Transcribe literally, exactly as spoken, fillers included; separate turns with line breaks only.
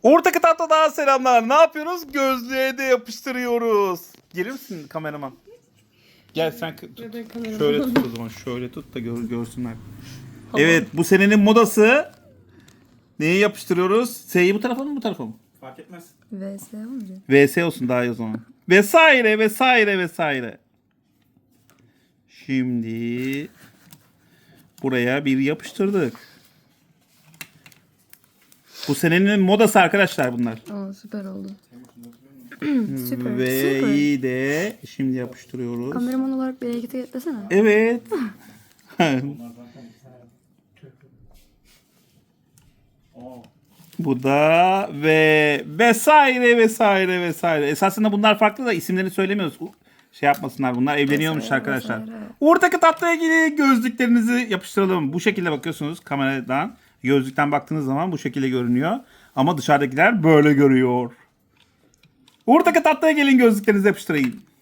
Ortaki tatlıdan selamlar. Ne yapıyoruz? Gözlüğe de yapıştırıyoruz. Gelir misin kameraman? Gel sen tut. Şöyle tut o zaman. Şöyle tut da gör, görsünler. Evet, bu senenin modası. Neyi yapıştırıyoruz? S'yi bu tarafa mı bu tarafa mı?
Fark etmez.
V S olmayacak.
V S olsun daha iyi o zaman. Vesaire vesaire vesaire. Şimdi buraya bir yapıştırdık. Bu senenin modası arkadaşlar bunlar.
Aa, süper oldu. Süper.
Ve
Süper.
iyi de şimdi yapıştırıyoruz.
Kameraman olarak bir harekete eklesene.
Evet. Bu da ve vesaire vesaire vesaire. Esasında bunlar farklı da isimlerini söylemiyoruz. Şey yapmasınlar, bunlar evleniyormuş
Vesaire,
arkadaşlar.
vesaire.
Ortaki tatlıya ilgili gözlüklerinizi yapıştıralım. Bu şekilde bakıyorsunuz kameradan. Gözlükten baktığınız zaman bu şekilde görünüyor. Ama dışarıdakiler böyle görüyor. Ortaki tatlıya gelin, gözlüklerinizi yapıştırayım.